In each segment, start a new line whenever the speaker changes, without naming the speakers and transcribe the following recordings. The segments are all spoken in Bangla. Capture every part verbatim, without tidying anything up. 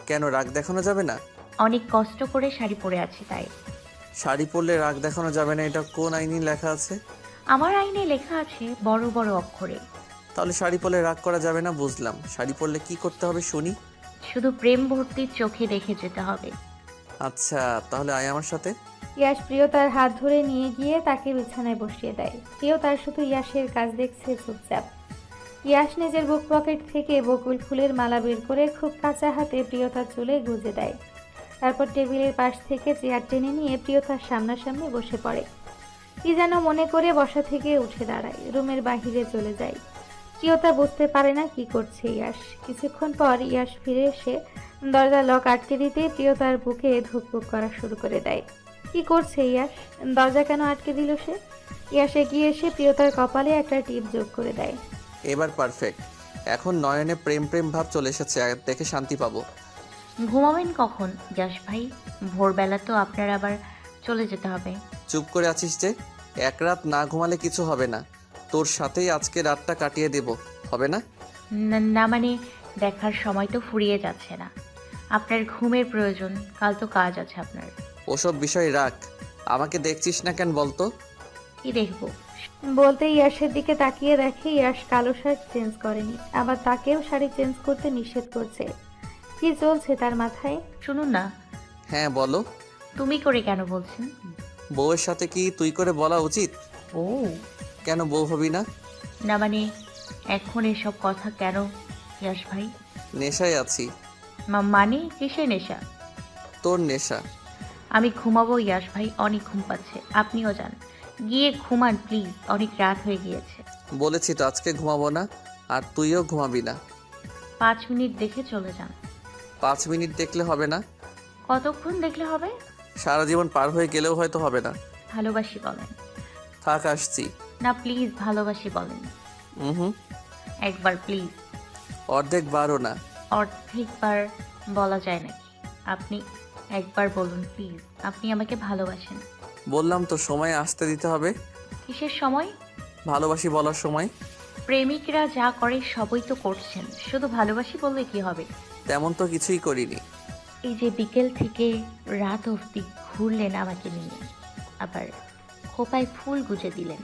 কেন, রাগ দেখানো যাবে না?
অনেক কষ্ট করে শাড়ি পরে আছি তাই।
শাড়ি পরলে রাগ দেখানো যাবে না, এটা কোন আইনে লেখা আছে?
আমার আইনে লেখা আছে বড় বড় অক্ষরে।
তাহলে শাড়ি পরলে রাগ করা যাবে না বুঝলাম, শাড়ি পরলে কি করতে হবে শুনি।
শুধু প্রেম ভর্তি চোখে দেখে যেতে হবে।
আচ্ছা তাহলে আয় আমার সাথে।
ইয়াশ প্রিয়তার হাত ধরে নিয়ে গিয়ে তাকে বিছানায় বসিয়ে দেয়। প্রিয় তার শুধু ইয়াশের কাজ দেখছে চুপচাপ। ইয়াশ নিজের বুক পকেট থেকে বকুল ফুলের মালা বের করে খুব কাঁচা হাতে প্রিয়তার চুলে গুঁজে দেয়। তারপর টেবিলের পাশ থেকে চেয়ার টেনে নিয়ে প্রিয়তার সামনাসামনি বসে পড়ে। কি যেন মনে করে বসা থেকে উঠে দাঁড়ায়, রুমের বাহিরে চলে যায়। প্রিয়তা বুঝতে পারে না কি করছে ইয়াশ। কিছুক্ষণ পর ইয়াশ ফিরে এসে দরজা লক আটকে দিতে প্রিয়তার বুকে ধুকপুক করা শুরু করে দেয়। কি করছে ইয়াশ? দরজা কেন আটকে দিল সে? ইয়াশ এগিয়ে এসে প্রিয়তার কপালে একটা টিপ যোগ করে দেয়।
এবার পারফেক্ট, এখন নয়নে প্রেম প্রেম ভাব চলে এসেছে, দেখে শান্তি পাবো।
ঘুমাবেন কখন ইয়াশ ভাই? ভোরবেলা তো আপনার আবার চলে যেতে হবে।
চুপ করে আছিস যে? এক রাত না ঘুমালে কিছু হবে না, তোর সাথেই আজকে রাতটা কাটিয়ে দেব, হবে না?
না না, মানে দেখার সময় তো ফুরিয়ে যাচ্ছে না। আপনার ঘুমের প্রয়োজন, কাল তো কাজ আছে আপনার।
ওসব বিষয় রাখ, আমাকে দেখছিস না কেন বলতো?
কি দেখবো?
বলতে ইয়াশের দিকে তাকিয়ে দেখে ইয়াশ কালো শার্ট চেঞ্জ করেনি, আবার তাকেও শাড়ি চেঞ্জ করতে নিষেধ করছে। কি চলছে তার মাথায়?
শুনুন না।
হ্যাঁ বলো।
তুমি করে কেন বলছেন?
বউয়ের সাথে কি তুই করে বলা উচিত?
ও
কেন বউ হবি না?
না মানে এখন এসব কথা কেন ইয়াশ ভাই?
নেশায় আছি।
মা- মানে কিসের নেশা?
তোর নেশা।
আমি ঘুমাবো ইয়াশ ভাই, অনেক ঘুম পাচ্ছে, আপনিও যান, গিয়ে ঘুমান প্লিজ, অনেক রাত হয়ে গিয়েছে।
বলেছি তো আজকে ঘুমাবো না, আর তুইও ঘুমাবি না।
পাঁচ মিনিট দেখে চলে যান।
পাঁচ মিনিট দেখলে হবে না,
কতক্ষণ দেখলে হবে?
সারা জীবন পার হয়ে গেলেও হয়তো হবে না।
ভালোবাসি বলেন।
থাক আসছি।
না প্লিজ, ভালোবাসি বলেন
হুম।
একবার প্লিজ।
অর্ধেক বারও না।
অর্ধেকবার বলা যায় নাকি? আপনি একবার বলুন প্লিজ, আপনি আমাকে ভালোবাসেন।
বললাম তো সময় আসতে দিতে হবে।
কিসের সময়?
ভালোবাসি বলার সময়।
প্রেমিকরা যা করে সবই তো করছেন, শুধু ভালোবাসি বললে কি হবে?
তেমন তো কিছুই করিনি।
এই যে বিকেল থেকে রাত অবধি ঘুরলেন আমাকে নিয়ে, আবার খোপায় ফুল গুজে দিলেন,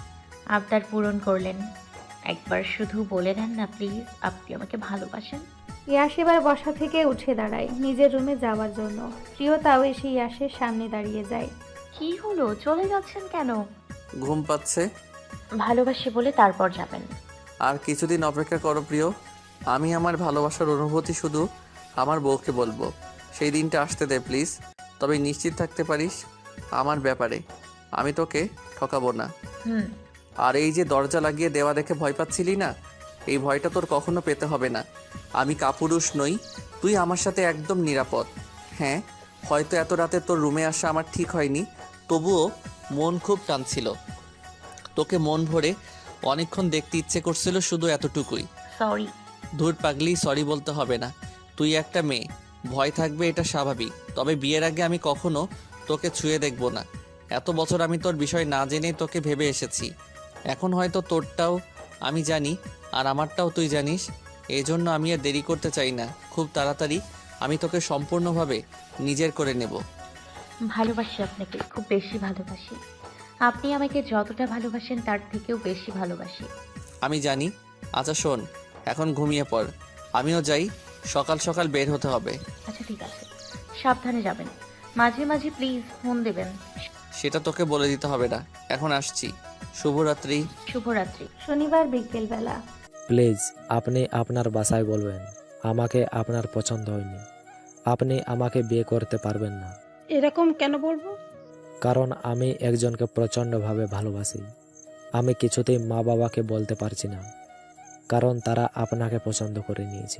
আবদার পূরণ করলেন। একবার শুধু বলে দেন না প্লিজ, আপনি আমাকে ভালোবাসেন।
ইয়াশ এবার বসা থেকে উঠে দাঁড়ায় নিজের রুমে যাওয়ার জন্য। প্রিয়তাও এসে ইয়াশের সামনে দাঁড়িয়ে যায়।
কি হলো, চলে যাচ্ছেন কেন?
ঘুম পাচ্ছে।
ভালোবাসি বলে তারপর যাবেন।
আর কিছুদিন অপেক্ষা করো প্রিয়, আমি আমার ভালোবাসার অনুভূতি শুধু আমার বউকে বলবো, সেই দিনটা আসতে দে প্লিজ। তবে নিশ্চিত থাকতে পারিস আমার ব্যাপারে আমি তোকে ঠকাবো না।
হুম।
আর এই যে দরজা লাগিয়ে দেওয়া দেখে ভয় পাচ্ছিলি না, এই ভয়টা তোর কখনো পেতে হবে না। আমি কাপুরুষ নই, তুই আমার সাথে একদম নিরাপদ। হ্যাঁ, হয়তো এত রাতে তোর রুমে আসা আমার ঠিক হয়নি, তবুও মন খুব টানছিল তোকে, মন ভরে অনেকক্ষণ দেখতে ইচ্ছে করছিল, শুধু এতটুকুই।
সরি।
ধুর পাগলি, সরি বলতে হবে না। তুই একটা মেয়ে, ভয় থাকবে, এটা স্বাভাবিক। তবে বিয়ের আগে আমি কখনো তোকে ছুঁয়ে দেখব না। এত বছর আমি তোর বিষয় না জেনেই তোকে ভেবে এসেছি। এখন হয়তো তোরটাও আমি জানি, আর আমারটাও তুই জানিস। এই জন্য আমি আর দেরি করতে চাই না, খুব তাড়াতাড়ি আমি তোকে সম্পূর্ণভাবে নিজের করে নেব।
ভালোবাসি আপনাকে, খুব বেশি ভালোবাসি। আপনি আমাকে যতটা ভালোবাসেন তার থেকেও বেশি ভালোবাসি।
আমি জানি। আচ্ছা শোন, এখন ঘুমিয়ে পড়, আমিও যাই, সকাল সকাল বের হতে হবে।
আচ্ছা ঠিক আছে, সাবধানে যাবেন, মাঝে মাঝে প্লিজ ফোন দেবেন।
সেটা তোকে বলে দিতে হবে না, এখন আসছি। শুভরাত্রি।
শুভরাত্রি।
শনিবার বিকেলবেলা।
প্লিজ আপনি আপনার বাসায় বলবেন আমাকে আপনার পছন্দ হয়নি, আপনি আমাকে বিয়ে করতে পারবেন না।
এরকম কেন বলবো?
কারণ আমি একজনকে প্রচণ্ডভাবে ভালোবাসি। আমি কিছুতেই মা বাবাকে বলতে পারছি না, কারণ তারা আপনাকে পছন্দ করে নিয়েছে।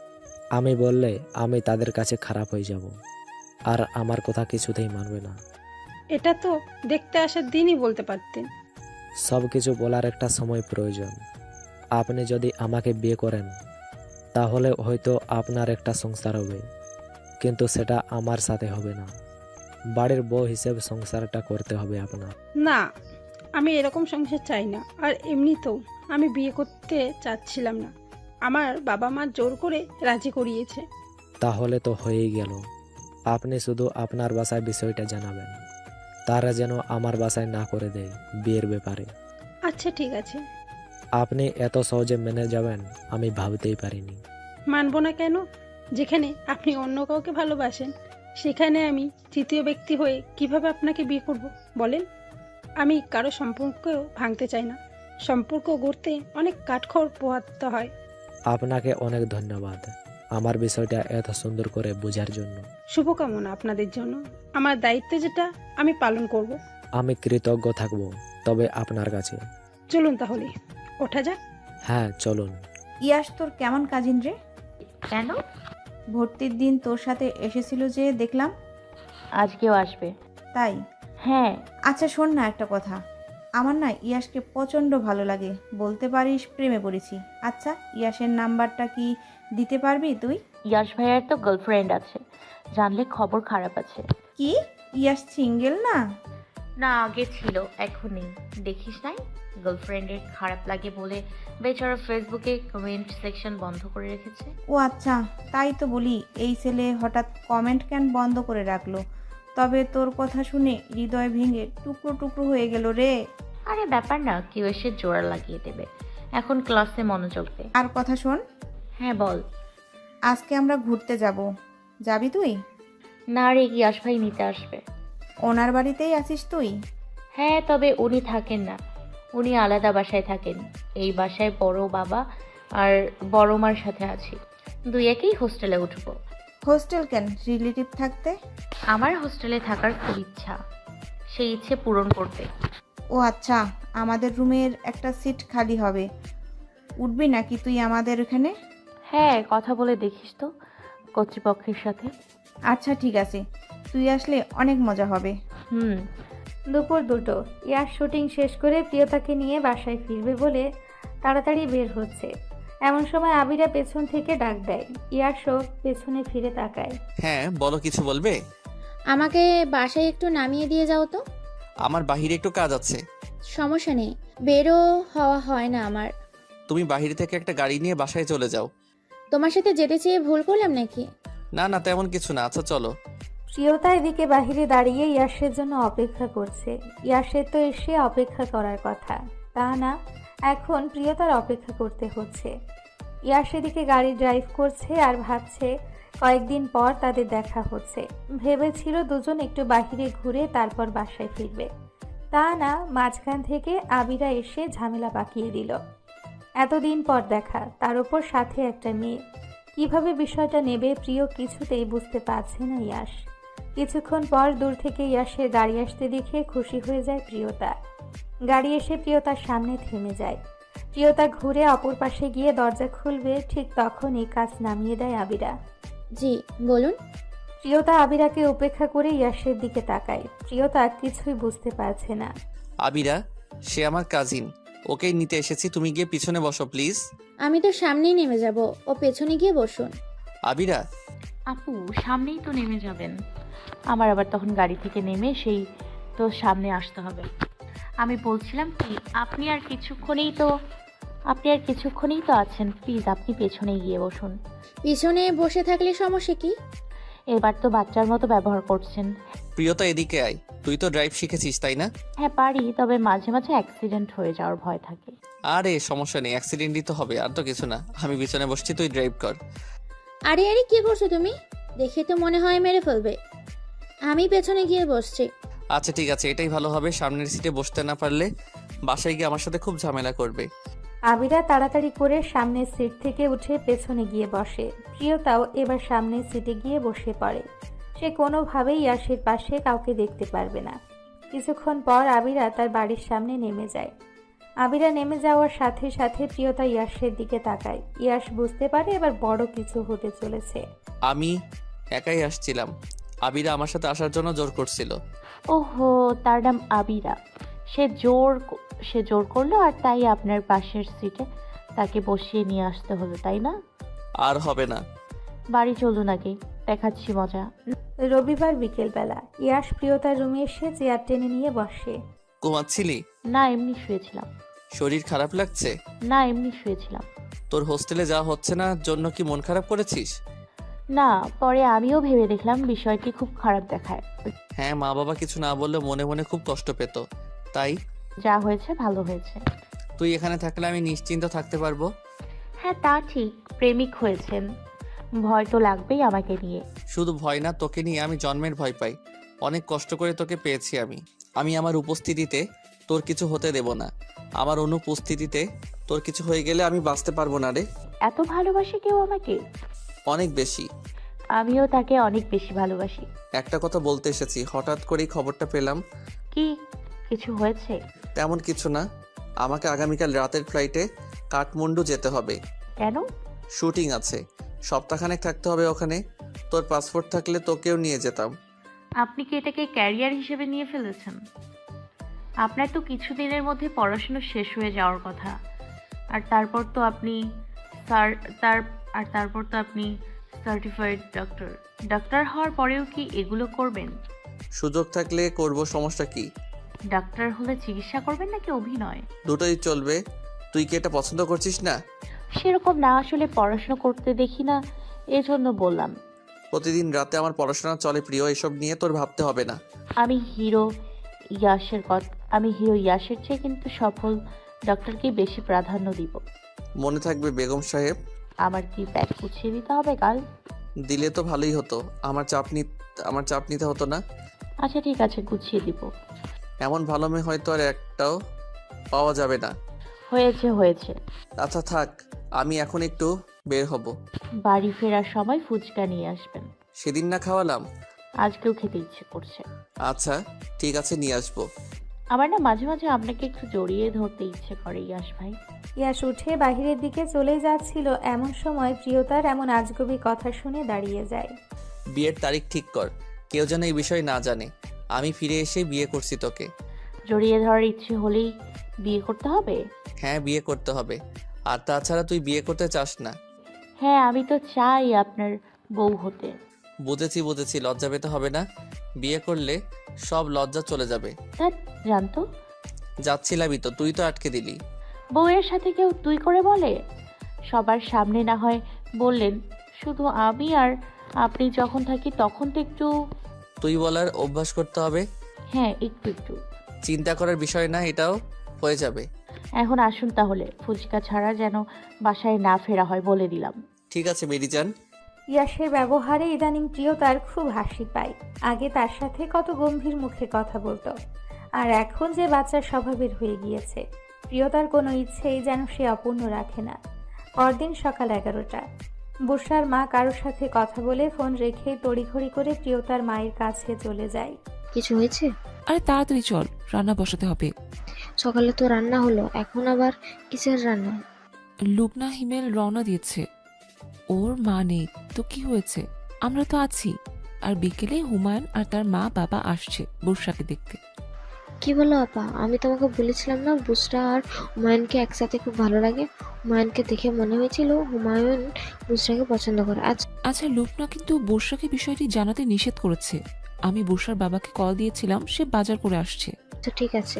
আমি বললে আমি তাদের কাছে খারাপ হয়ে যাব, আর আমার কথা কিছুতেই মানবে না।
এটা তো দেখতে আসার দিনই বলতে পারতেন।
সব কিছু বলার একটা সময় প্রয়োজন। আপনি যদি আমাকে বিয়ে করেন তাহলে হয়তো আপনার একটা সংসার হবে, কিন্তু সেটা আমার সাথে হবে না। বাড়ির বউ হিসেবে সংসারটা করতে হবে আপনার।
না, আমি এরকম সংসার চাই না। আর এমনিতেও আমি বিয়ে করতে চাচ্ছিলাম না, আমার বাবা মা জোর করে রাজি করিয়েছে।
তাহলে তো হয়েই গেল। আপনি শুধু আপনার বাসায় বিষয়টা জানাবেন, তারা যেন আমার বাসায় না করে দেয় বিয়ের ব্যাপারে।
আচ্ছা ঠিক আছে।
আপনি এত সহজে মেনে যাবেন আমি ভাবতেই পারিনি।
মানবো না কেন? যেখানে আপনি অন্য কাউকে ভালোবাসেন সেখানে আমি তৃতীয় ব্যক্তি হয়ে কিভাবে আপনাকে বিয়ে করব বলেন? আমি কারো সম্পর্কও ভাঙতে চাই না। সম্পর্ক গড়তে অনেক কাঠখড় পোহাতে হয়।
আপনাকে অনেক ধন্যবাদ আমার বিষয়টা এত সুন্দর করে বোঝার জন্য।
শুভকামনা আপনাদের জন্য। আমার দায়িত্ব যেটা আমি পালন করব।
আমি কৃতজ্ঞ থাকব তবে আপনার কাছে।
চলুন তাহলে ওঠা যাক।
হ্যাঁ চলুন।
ইয়াশ তোর কেমন কাজিন রে?
কেন?
ভর্তির দিন তোর সাথে এসেছিল যে দেখলাম।
আজকেও আসবে?
তাই?
হ্যাঁ।
আচ্ছা শোন না একটা কথা, আমার না ইয়াশকে প্রচণ্ড ভালো লাগে, বলতে পারিস প্রেমে পড়েছি। আচ্ছা ইয়াশের নাম্বারটা কি দিতে পারবি তুই?
ইয়াশ ভাইয়ার তো গার্লফ্রেন্ড আছে, জানলে খবর খারাপ আছে।
কি ইয়াশ সিঙ্গেল না?
না আগে ছিল, এখন নেই। দেখিস নাই গার্লফ্রেন্ডের খারাপ লাগে বলে বেচারা ফেসবুকে কমেন্ট সেকশন বন্ধ করে রেখেছে।
ও আচ্ছা, তাই তো বলি এই ছেলে হঠাৎ কমেন্ট কেন বন্ধ করে রাখলো? তবে তোর কথা শুনে হৃদয় ভেঙে টুকরো টুকরো হয়ে গেল রে।
আরে ব্যাপার না, কেউ এসে জোড়া লাগিয়ে দেবে। এখন ক্লাসে মনোযোগ দে।
আর কথা শোন,
হ্যাঁ বল।
আজকে আমরা ঘুরতে যাব, যাবি তুই?
না রে, ইয়াশ ভাই নিতে আসবে।
ওনার বাড়িতেই আছিস তুই?
হ্যাঁ, তবে উনি থাকেন না, উনি আলাদা বাসায় থাকেন। এই বাসায় বড় বাবা আর বড় মার সাথে আছি, দুই একই হোস্টেলে উঠবো।
হোস্টেল কেন, রিলেটিভ থাকতে?
আমার হোস্টেলে থাকার খুব ইচ্ছা, সেই ইচ্ছে পূরণ করতে।
ও আচ্ছা, আমাদের রুমের একটা সিট খালি হবে, উঠবি নাকি তুই আমাদের এখানে?
হ্যাঁ, কথা বলে দেখিস তো কর্তৃপক্ষের সাথে।
আচ্ছা ঠিক আছে, তুই আসলে অনেক মজা হবে।
হুম।
দুপুর দুটো। ইয়াশ শুটিং শেষ করে প্রিয়তাকে নিয়ে বাসায় ফিরবে বলে তাড়াতাড়ি বের হচ্ছে। এমন সময় আবিরা পেছন থেকে ডাক দেয়। ইয়াশও পেছনে ফিরে তাকায়।
হ্যাঁ বলো, কিছু বলবে?
আমাকে বাসায় একটু নামিয়ে দিয়ে যাও তো।
আমার বাহিরে একটু কাজ আছে।
সমস্যা নেই, বেরো হওয়া হয় না আমার।
তুমি বাহিরে থেকে একটা গাড়ি নিয়ে বাসায় চলে যাও।
তোমার সাথে যেতে চেয়ে ভুল করলাম নাকি?
না না, তেমন কিছু না। আচ্ছা চলো।
প্রিয়তা এদিকে বাহিরে দাঁড়িয়ে ইয়াশের জন্য অপেক্ষা করছে। ইয়াশের তো এসে অপেক্ষা করার কথা, তা না, এখন প্রিয়তার অপেক্ষা করতে হচ্ছে। ইয়াশ এদিকে গাড়ি ড্রাইভ করছে আর ভাবছে কয়েকদিন পর তাদের দেখা হচ্ছে। ভেবেছিল দুজন একটু বাহিরে ঘুরে তারপর বাসায় ফিরবে, তা না, মাঝখান থেকে আবিরা এসে ঝামেলা পাকিয়ে দিল। এতদিন পর দেখা, তার উপর সাথে একটা মেয়ে। কিভাবে বিষয়টা নেবে প্রিয় কিছুতেই বুঝতে পারছে না ইয়াশ। কিছুক্ষণ পর দূর থেকে ইয়াশের গাড়ি আসতে দেখে খুশি হয়ে যায় প্রিয়তা। গাড়ি এসে প্রিয়তার সামনে থেমে যায়। প্রিয়তা ঘুরে অপর পাশে গিয়ে দরজা খুলবে, ঠিক তখনই কাজ নামিয়ে দেয় আবিরা।
জি বলুন।
প্রিয়তা আবিরাকে উপেক্ষা করে ইয়াশের দিকে তাকায়। প্রিয়তা কিছুই বুঝতে পারছে না।
আবিরা, সে আমার কাজিন, ওকেই নিতে এসেছি। তুমি গিয়ে পিছনে বসো প্লিজ।
আমি তো সামনেই নেমে যাব, ও পেছনে গিয়ে বসুন।
আবিরা।
আপু সামনেই তো নেমে যাবেন, আমার আবার তখন গাড়ি থেকে নেমে সেই তো সামনে আসতে হবে। আমি বলছিলাম কি, আপনি আর কিছুক্ষণেই তো আপনি আর কিছুক্ষণেই তো আছেন, প্লিজ আপনি পেছনে গিয়ে বসুন।
পিছনে বসে থাকলে সমস্যা কি?
এবার তো বাচ্চার মতো ব্যবহার করছেন।
প্রিয়তা এদিকে আয়, তুই তো ড্রাইভ শিখেছিস তাই না?
হ্যাঁ পারি, তবে মাঝে মাঝে অ্যাক্সিডেন্ট হয়ে যাওয়ার ভয় থাকে।
আরে সমস্যা নেই, অ্যাক্সিডেন্টই তো হবে, আর তো কিছু না। আমি পিছনে বসছি, তুই ড্রাইভ কর।
আরে আরে কি করছো তুমি? দেখে তো মনে হয় মেরে ফেলবে। আমি পেছনে গিয়ে বসছি।
আচ্ছা ঠিক আছে, এটাই ভালো হবে। সামনের সিটে বসতে না পারলে বাসায় গিয়ে আমার সাথে খুব ঝামেলা করবে।
আবিরা তাড়াতাড়ি করে সামনের সিট থেকে উঠে পেছনে গিয়ে বসে। প্রিয়তাও এবার সামনের সিটে গিয়ে বসে পড়ে। সে কোনোভাবেই ইয়াশের পাশে কাউকে দেখতে পারবে না। কিছুক্ষণ পর আবিরা তার বাড়ির সামনে নেমে যায়। আবিরা নেমে যাওয়ার সাথে সাথে প্রিয়তা ইয়াশের দিকে তাকায়। ইয়াশ বুঝতে পারে এবার বড় কিছু হতে চলেছে।
আমি একাই আসছিলাম, আবিরা আমার সাথে আসার জন্য জোর করছিল।
ওহো, তার নাম আবিরা। সে জোর সে জোর করলো আর তাই আপনার পাশের সিটে তাকে বসিয়ে নিয়ে আসতে হলো, তাই না?
আর হবে না।
বাড়ি চলুন আগে, দেখাচ্ছি মজা।
রবিবার বিকেলবেলা ইয়াশ প্রিয়তার রুমে এসে চেয়ার টেনে নিয়ে বসে।
ঘুমাচ্ছিলি?
না এমনি শুয়েছিলাম।
শরীর খারাপ লাগছে?
না এমনি শুয়েছিলাম।
তোর হোস্টেলে যাওয়া হচ্ছে না জন্য কি মন খারাপ করেছিস?
না, পরে আমিও ভেবে দেখলাম বিষয়টি খুব খারাপ দেখায়।
হ্যাঁ, মা বাবা কিছু না বললে মনে মনে খুব কষ্ট পেত, তাই
যা হয়েছে ভালো হয়েছে।
তুই এখানে থাকলে আমি নিশ্চিন্ত থাকতে পারবো।
হ্যাঁ তা ঠিক, প্রেমিক হয়েছেন, ভয় তো লাগবেই আমাকে নিয়ে।
শুধু ভয় না, তোকে নিয়ে আমি জন্মের ভয় পাই। অনেক কষ্ট করে তোকে পেয়েছি আমি। আমি আমার উপস্থিতিতে তোর কিছু হতে দেব না। আমার অনুপস্থিতিতে তোর কিছু হয়ে গেলে আমি বাঁচতে পারবো না রে।
এত ভালোবাসে কেউ আমাকে?
অনেক বেশি।
আমিও তাকে অনেক বেশি ভালোবাসি।
একটা কথা বলতে এসেছি, হঠাৎ করেই খবরটা পেলাম।
কি কিছু হয়েছে?
তেমন কিছু না, আমাকে আগামীকাল রাতের ফ্লাইটে কাঠমান্ডু যেতে হবে।
কেন?
শুটিং আছে, সপ্তাহখানেক থাকতে হবে ওখানে। তোর পাসপোর্ট থাকলে তোকেও নিয়ে যেতাম।
আপনি কি এটাকে ক্যারিয়ার হিসেবে নিয়ে ফেলেছেন? আপনার তো কিছুদিনের মধ্যে পড়াশোনা শেষ হয়ে যাওয়ার কথা। আর তারপর তো আপনি স্যার তার আর তারপর তো আপনি সার্টিফাইড ডক্টর। ডাক্তার হওয়ার পরেও কি এগুলো করবেন?
সুযোগ থাকলে করব, সমস্যা কি?
ডাক্তার হলে চিকিৎসা করবেন নাকি অভিনয়?
দুটোই চলবে। তুই কি এটা পছন্দ করছিস না?
সেরকম না, আসলে পড়াশোনা করতে দেখি না, এজন্য বললাম।
প্রতিদিন রাতে আমার পড়াশোনা চলে প্রিয়, এসব নিয়ে তোর ভাবতে হবে না।
আমি হিরো ইয়াসের কথা আমি হিরো ইয়াসের চেয়ে কিন্তু সফল ডক্টরকে বেশি প্রাধান্য দিব।
মনে থাকবে বেগম সাহেব।
আমার কি ব্যাগ গুছিয়ে দিতে হবে কাল?
দিলে তো ভালোই হতো, আমার চাপ নি আমার চাপ নিতে হতো না।
আচ্ছা ঠিক আছে, গুছিয়ে দিব।
এমন ভালো মেয়ে হয়তো আর একটাও পাওয়া যাবে না।
হয়েছে হয়েছে।
আচ্ছা থাক, আমি এখন একটু বের হব।
বাড়ি ফেরার সময় ফুচকা নিয়ে আসবেন।
সেদিন না খাওয়ালাম?
আজকেও খেতে ইচ্ছে করছে।
আচ্ছা ঠিক আছে, নিয়ে আসবো।
আমার না মাঝে মাঝে আপনাকে একটু জড়িয়ে ধরতে ইচ্ছে করে ইয়াস ভাই।
ইয়াশ উঠে বাহিরের দিকে চলে যাচ্ছিল, এমন সময় প্রিয়তার এমন আজগুবি কথা শুনে দাঁড়িয়ে যায়।
বিয়ের তারিখ ঠিক কর, কেউ যেন এই বিষয় না জানে। আমি ফিরে এসে বিয়ে করছি তোকে।
জড়িয়ে ধরার ইচ্ছে হলেই বিয়ে করতে হবে?
হ্যাঁ, বিয়ে করতে হবে। আর তাছাড়া তুই বিয়ে করতে চাস না?
হ্যাঁ আমি তো চাই আপনার বউ হতে।
বুঝেছি বুঝেছি, লজ্জা পেতে হবে না। বিয়ে করলে সব লজ্জা চলে যাবে।
তা জানতো,
যাচ্ছিলামই তো, তুই তো আটকে দিলি।
বউয়ের সাথে কেউ তুই করে বলে? সবার সামনে না হয় বললেন, শুধু আমি আর আপনি যখন থাকি তখন তো একটু।
তুই বলার অভ্যাস করতে হবে।
হ্যাঁ একটু একটু।
চিন্তা করার বিষয় না, এটাও হয়ে যাবে।
এখন আসুন তাহলে, ফুচকা ছাড়া যেন বাসায় না ফেরা হয় বলে দিলাম।
ঠিক আছে বেরি যান।
ইয়াশের ব্যবহারে ইদানিং প্রিয়তার খুব হাসি পায়। আগে তার সাথে কত গম্ভীর মুখে কথা বলতো, আর এখন যে বাচ্চার স্বভাবের হয়ে গিয়েছে। প্রিয়তার কোনো ইচ্ছেই যেন সে অপূর্ণ রাখে না। পরদিন সকাল এগারোটা, বুশরার মা কারোর সাথে কথা বলে ফোন রেখে তড়িঘড়ি করে প্রিয়তার মায়ের কাছে চলে যায়।
কিছু হয়েছে?
আরে তাড়াতাড়ি চল, রান্না বসাতে হবে।
সকালে তো রান্না হলো, এখন আবার কিসের রান্না?
লুবনা হিমেল রওনা দিয়েছে, ওর মা নেই তো কি হয়েছে, আমরা তো আছি। আর বিকেলে হুমায়ুন আর তার মা বাবা আসছে বর্ষাকে দেখতে।
কি বলো আপা, আমি তোমাকে বলেছিলাম না বুসরা আর হুমায়ুনকে একসাথে খুব ভালো লাগে। হুমায়ুনকে দেখে মনে হয়েছিল হুমায়ুন বুসরাকে পছন্দ করে। আচ্ছা
আচ্ছা, লুবনা কিন্তু বর্ষাকে বিষয়টি জানাতে নিষেধ করেছে। আমি বর্ষার বাবাকে কল দিয়েছিলাম, সে বাজার করে আসছে।
তো ঠিক আছে,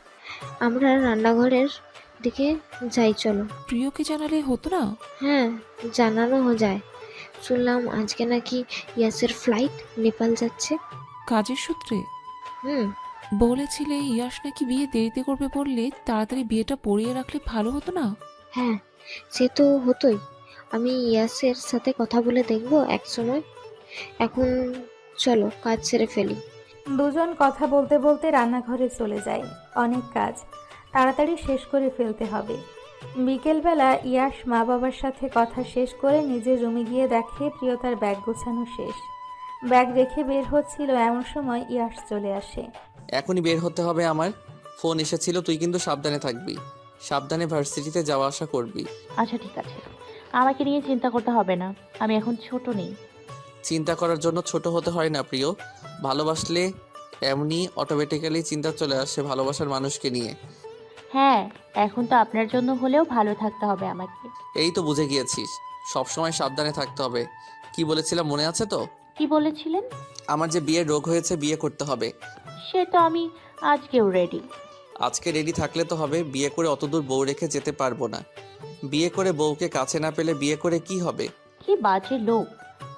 আমরা রান্নাঘরের দিকে যাই, চলো।
প্রিয়কে জানালে হতো না?
হ্যাঁ, জানানো যায়। শুনলাম আজকে নাকি ইয়াসের ফ্লাইট নেপাল যাচ্ছে।
কাজের সূত্রে?
হুম।
বলেছিলে ইয়াস নাকি বিয়ে দেরিতে করবে, বললে তাড়াতাড়ি বিয়েটা পড়িয়ে রাখলে ভালো হতো না?
হ্যাঁ, সে তো হতোই। আমি ইয়াসের সাথে কথা বলে দেখবো এক সময়। এখন চলো কাজ সেরে ফেলি।
দুজন কথা বলতে বলতে রান্নাঘরে চলে যায়। অনেক কাজ তাড়াতাড়ি শেষ করে ফেলতে হবে। বিকেলবেলা ইয়াশ মা বাবার সাথে কথা শেষ করে নিজের রুমে গিয়ে দেখে প্রিয়তার ব্যাগ গোছানো শেষ। ব্যাগ রেখে বের হচ্ছিল, এমন সময় ইয়াশ চলে আসে।
এখনই বের হতে হবে আমার। ফোন এসেছিল, তুই কিন্তু সাবধানে থাকবি। সাবধানে ভার্সিটিতে যাওয়া আসা করবি।
আচ্ছা ঠিক আছে, আমাকে নিয়ে চিন্তা করতে হবে না, আমি এখন ছোট নেই।
চিন্তা করার জন্য ছোট হতে হয় না প্রিয়। ভালোবাসলে এমনি অটোমেটিক্যালি চিন্তা চলে আসে ভালোবাসার মানুষকে নিয়ে।
হ্যাঁ, এখন তো আপনার জন্য হলেও ভালো থাকতে হবে আমাকে।
এই তো বুঝে গিয়েছিস, সবসময় সাবধানে থাকতে হবে। কি বলেছিলাম মনে আছে তো?
কি বলেছিলেন?
আমার যে বিয়ের রোগ হয়েছে, বিয়ে করতে হবে।
সে তো আমি আজকেও রেডি।
আজকে রেডি থাকলে তো হবে, বিয়ে করে অতদূর বউ রেখে যেতে পারবো না। বিয়ে করে বউকে কাছে না পেলে বিয়ে করে কি হবে?
কি বাজে লোক।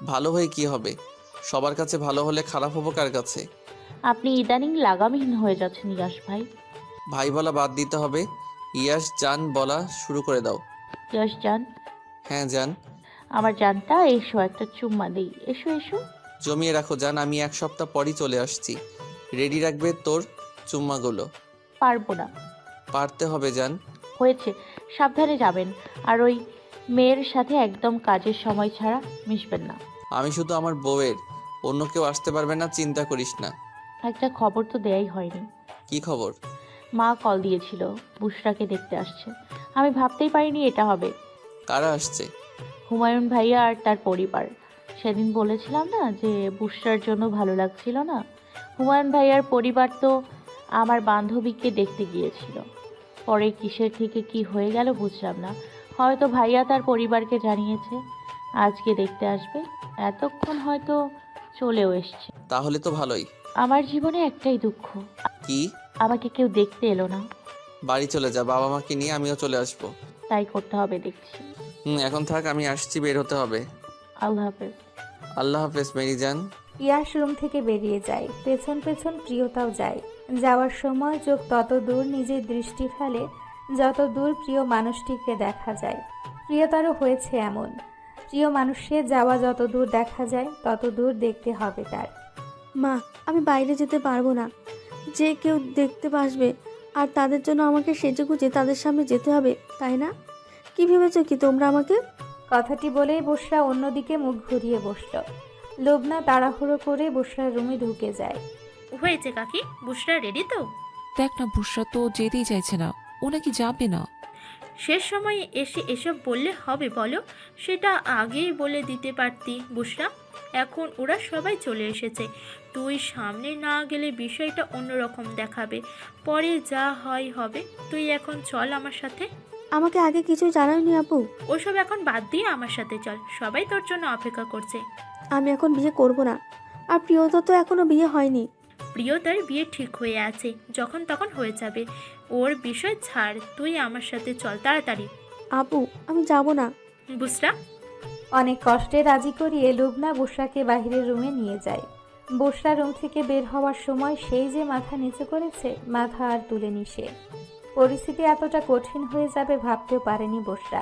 ভালো হয়ে কি হবে? সবার কাছে ভালো হলে খারাপ হবো কার কাছে?
আপনি ইদানিং লাগামহীন হয়ে যাচ্ছেন ইয়াশ ভাই।
ভাই বলা বাদ দিতে হবে। ইয়াস জান বলা শুরু করে দাও।
ইয়াশ জান,
হ্যাঁ জান।
আমার জানটা এসো, একটা চুম্মা দেই। এসো এসো।
জমিয়ে রাখো জান, আমি এক সপ্তাহ পরই চলে আসছি। রেডি রাখবে তোর চুম্মাগুলো।
পারবো না।
পারতে হবে জান।
হয়েছে, সাবধানে যাবেন। আর ওই মেয়ের সাথে একদম কাজের সময় ছাড়া মিশবেন না।
আমি শুধু আমার বউয়ের, অন্য কেউ আসতে পারবে না, চিন্তা করিস না।
একটা খবর তো দেয়াই হয়নি।
কি খবর?
মা কল দিয়েছিল, বুশরাকে দেখতে আসছে। আমি ভাবতেই পারিনি এটা হবে।
কারা আসছে?
হুমায়ুন ভাইয়া আর তার পরিবার। সেদিন বলেছিলাম না যে বুশরার জন্য ভালো লাগছিল না। হুমায়ুন ভাইয়ার পরিবার তো আমার বান্ধবীকে দেখতে গিয়েছিল। পরে কিসের থেকে কি হয়ে গেল বুঝলাম না। হয়তো ভাইয়া তার পরিবারকে জানিয়েছে আজকে দেখতে আসবে। এতক্ষণ হয়তো চলেও এসছে।
তাহলে তো ভালোই।
আমার জীবনে একটাই দুঃখ,
কি?
আমাকে কেউ দেখতে এলো না।
বাড়ি চলে যা, বাবা মাকে নিয়ে আমিও চলে আসবো।
তাই করতে হবে দেখছি।
হুম, এখন থাক, আমি আসছি, বের হতে হবে।
আল্লাহ হাফেজ।
আল্লাহ হাফেজ মেরি জান।
ইয়াশ রুম থেকে বেরিয়ে যায়, পেছন পেছন প্রিয়তাও যায়। যাওয়ার সময় চোখ তত দূর নিজের দৃষ্টি ফেলে যত দূর প্রিয় মানুষটিকে দেখা যায়। প্রিয়তারও হয়েছে এমন। প্রিয় মানুষের যাওয়া যত দূর দেখা যায় তত দূর দেখতে হবে তার।
মা, আমি বাইরে যেতে পারবো না। যে কেউ দেখতে আসবে আর তাদের জন্য আমাকে সেজেগুজে তাদের সামনে যেতে হবে, তাই না? কি ভেবেছো কি তোমরা আমাকে?
কথাটি বলেই বসরা অন্যদিকে মুখ ঘুরিয়ে বসল। লোবনা তাড়াহুড়ো করে বসরার রুমে ঢুকে যায়।
হয়েছে কাকি, বুশরা রেডি তো?
দেখ না, বুশরা তো যেতেই চাইছে না। ও নাকি যাবে না।
শেষ সময়ে এসে এসব বললে হবে বলো? সেটা আগেই বলে দিতে পারতি বুশরা। এখন ওরা সবাই চলে এসেছে, তুই সামনে না গেলে বিষয়টা অন্যরকম দেখাবে। পরে যা হয় হবে। তুই এখন চল আমার সাথে।
আমাকে আগে কিছু জানাওনি আপু।
ওসব এখন বাদ দিয়ে আমার সাথে চল, সবাই তোর জন্য অপেক্ষা করছে।
আমি এখন বিয়ে করব না। আর প্রিয়তা তো এখনো বিয়ে হয়নি।
প্রিয়তার বিয়ে ঠিক হয়ে আছে, যখন তখন হয়ে যাবে। ওর বিষয় ছাড়, তুই আমার সাথে চল তাড়াতাড়ি।
আপু, আমি যাব না।
বুশরা।
অনেক কষ্টে রাজি করিয়ে লুবনা বসরাকে বাহিরের রুমে নিয়ে যায়। বসরা রুম থেকে বের হওয়ার সময় সেই যে মাথা নিচু করেছে, মাথা আর তুলেনি সে। পরিস্থিতি এতটা কঠিন হয়ে যাবে ভাবতেও পারেনি বসরা।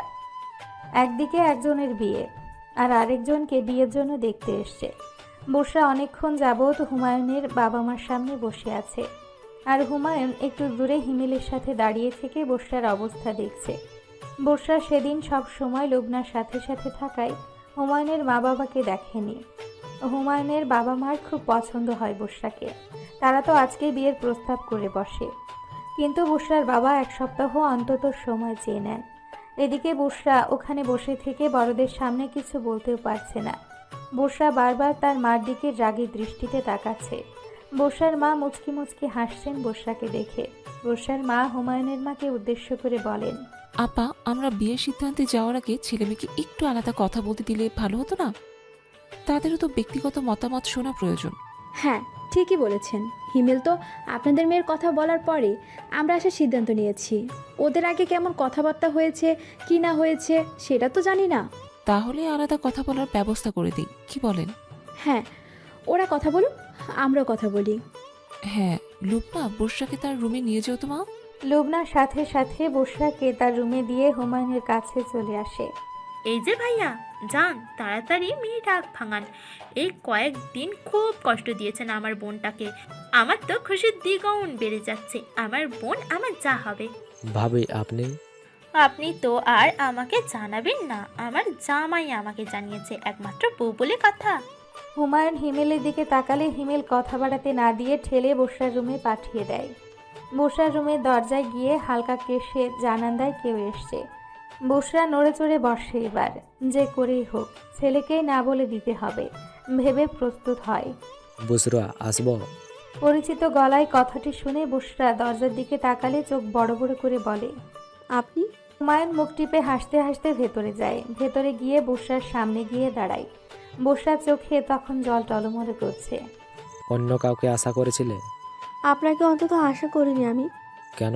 একদিকে একজনের বিয়ে আর আরেকজনকে বিয়ের জন্য দেখতে এসছে। বসরা অনেকক্ষণ যাবৎ হুমায়ুনের বাবা মার সামনে বসে আছে, আর হুমায়ুন একটু দূরে হিমেলের সাথে দাঁড়িয়ে থেকে বসরার অবস্থা দেখছে। বসরা সেদিন সব সময় লুবনার সাথে সাথে থাকায় হুমায়ুনের মা বাবাকে দেখেনি। হুমায়ুনের বাবা মার খুব পছন্দ হয় বসরাকে, তারা তো আজকে বিয়ের প্রস্তাব করে বসে। কিন্তু বসরার বাবা এক সপ্তাহ অন্তত সময় চেয়ে নেন। এদিকে বসরা ওখানে বসে থেকে বড়দের সামনে কিছু বলতেও পারছে না। বসরা বারবার তার মার দিকে রাগী দৃষ্টিতে তাকাচ্ছে। বসরার মা মুচকি মুচকি হাসছেন বসরাকে দেখে। বসরার মা হুমায়ুনের মাকে উদ্দেশ্য করে বলেন,
আপা, আমরা বিয়ের সিদ্ধান্তে যাওয়ার আগে ছেলেমেয়েকে একটু আলাদা কথা বলতে দিলে ভালো হতো না? তাদেরও তো ব্যক্তিগত মতামত শোনা প্রয়োজন।
হ্যাঁ, ঠিকই বলেছেন। হিমেল তো আপনাদের মেয়ের কথা বলার পরে আমরা আসার সিদ্ধান্ত নিয়েছি। ওদের আগে কেমন কথাবার্তা হয়েছে কি না হয়েছে সেটা তো জানি না।
তাহলে আলাদা কথা বলার ব্যবস্থা করে দিই, কি বলেন?
হ্যাঁ, ওরা কথা বলুক, আমরাও কথা বলি।
হ্যাঁ, লুবনা, বর্ষাকে তার রুমে নিয়ে যেও তো মা।
লুবনার সাথে সাথে বসরাকে তার রুমে দিয়ে হুমায়ুনের কাছে চলে আসে।
এই যে ভাইয়া, যান তাড়াতাড়ি মেয়ে ডাক ভাঙান। এই কয়েকদিন খুব কষ্ট দিয়েছেন আমার বোনটাকে। আমার তো খুশির দ্বিগুণ বেড়ে যাচ্ছে। আমার বোন আমার যা হবে।
ভাবি আপনি?
আপনি তো আর আমাকে জানাবেন না, আমার জামাই আমাকে জানিয়েছে, একমাত্র বউ বলে কথা।
হুমায়ুন হিমেলের দিকে তাকালে হিমেল কথা বাড়াতে না দিয়ে ঠেলে বসরার রুমে পাঠিয়ে দেয়। বসরার রুমের দরজায় গিয়ে হালকা কেশে জানান দেয় কেউ এসছে। বসরা নড়ে চড়ে বসে, এবার যে করেই হোক ছেলেকেই না বলে দিতে হবে ভেবে প্রস্তুত হয়।
বুসরা, আসবো?
পরিচিত গলায় কথাটি শুনে বসরা দরজার দিকে তাকালে চোখ বড় বড় করে বলে,
আপনি?
হুমায়ুন মুখ টিপে হাসতে হাসতে ভেতরে যায়। ভেতরে গিয়ে বসরার সামনে গিয়ে দাঁড়ায়। বসরার চোখে তখন জল টলমলে করছে।
অন্য কাউকে আশা করেছিলে?
আপনাকে অন্তত আশা করিনি আমি।
কেন?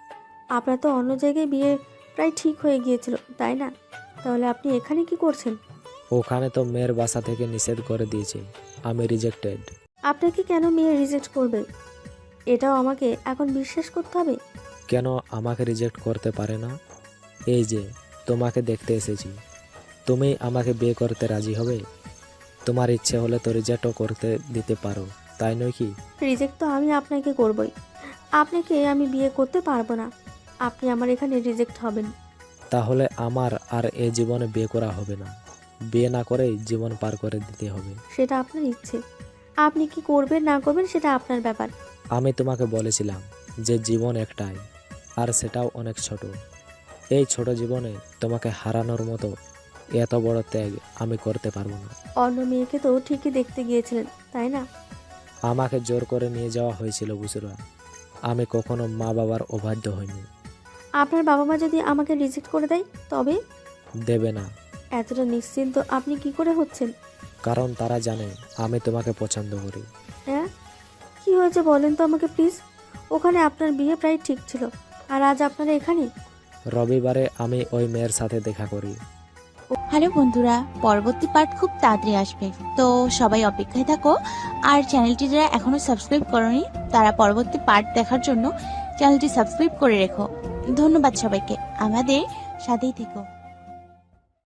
আপনার তো অন্য জায়গায় বিয়ে প্রায় ঠিক হয়ে গিয়েছিল, তাই না? তাহলে আপনি এখানে কি করছেন?
ওখানে তো মেয়ের বাসা থেকে নিষেধ করে দিয়েছে, আমি রিজেক্টেড।
আপনাকে কেন মেয়ে রিজেক্ট করবে এটাও আমাকে এখন বিশ্বাস করতে হবে?
কেন আমাকে রিজেক্ট করতে পারে না? এই যে তোমাকে দেখতে এসেছি, তুমি আমাকে বিয়ে করতে রাজি হবে? তোমার ইচ্ছে হলে তো রিজেক্টও করতে দিতে পারো, তাই নয় কি?
রিজেক্ট তো আমি আপনাকে করবই। আপনাকে আমি বিয়ে করতে পারবো না। আপনি আমার এখানে রিজেক্ট হবেন।
তাহলে আমার আর এ জীবনে বিয়ে করা হবে না, বিয়ে না করেই জীবন পার করে দিতে হবে।
সেটা আপনার ইচ্ছে, আপনি কি করবেন না করবেন সেটা আপনার ব্যাপার।
আমি তোমাকে বলেছিলাম যে জীবন একটাই, আর সেটাও অনেক ছোট। এই ছোট জীবনে তোমাকে হারানোর মতো এত বড় ত্যাগ আমি করতে পারবো না।
অন্য মেয়েকে তো ঠিকই দেখতে গিয়েছিলেন, তাই না?
আমাকে জোর করে নিয়ে যাওয়া হয়েছিল বুসরা, আমি কখনো মা বাবার অবাধ্য হইনি।
আপনার বাবা মা যদি আমাকে রিজেক্ট করে দেয় তবে?
দেবে না।
এতটা নিশ্চিন্ত আপনি কি করে হচ্ছেন?
কারণ তারা জানে আমি তোমাকে পছন্দ করি।
হ্যাঁ, কি হয়েছে বলেন তো আমাকে প্লিজ। ওখানে আপনার বিয়ে প্রায় ঠিক ছিল, আর আজ আপনারা এখানে।
রবিবারে আমি ওই মেয়ের সাথে দেখা করি।
হ্যালো বন্ধুরা, পরবর্তী পার্ট খুব তাড়াতাড়ি আসবে, তো সবাই অপেক্ষায় থাকো। আর চ্যানেলটি যারা এখনো সাবস্ক্রাইব করোনি তারা পরবর্তী পার্ট দেখার জন্য চ্যানেলটি সাবস্ক্রাইব করে রেখো। ধন্যবাদ সবাইকে, আমাদের সাথেই থেকো।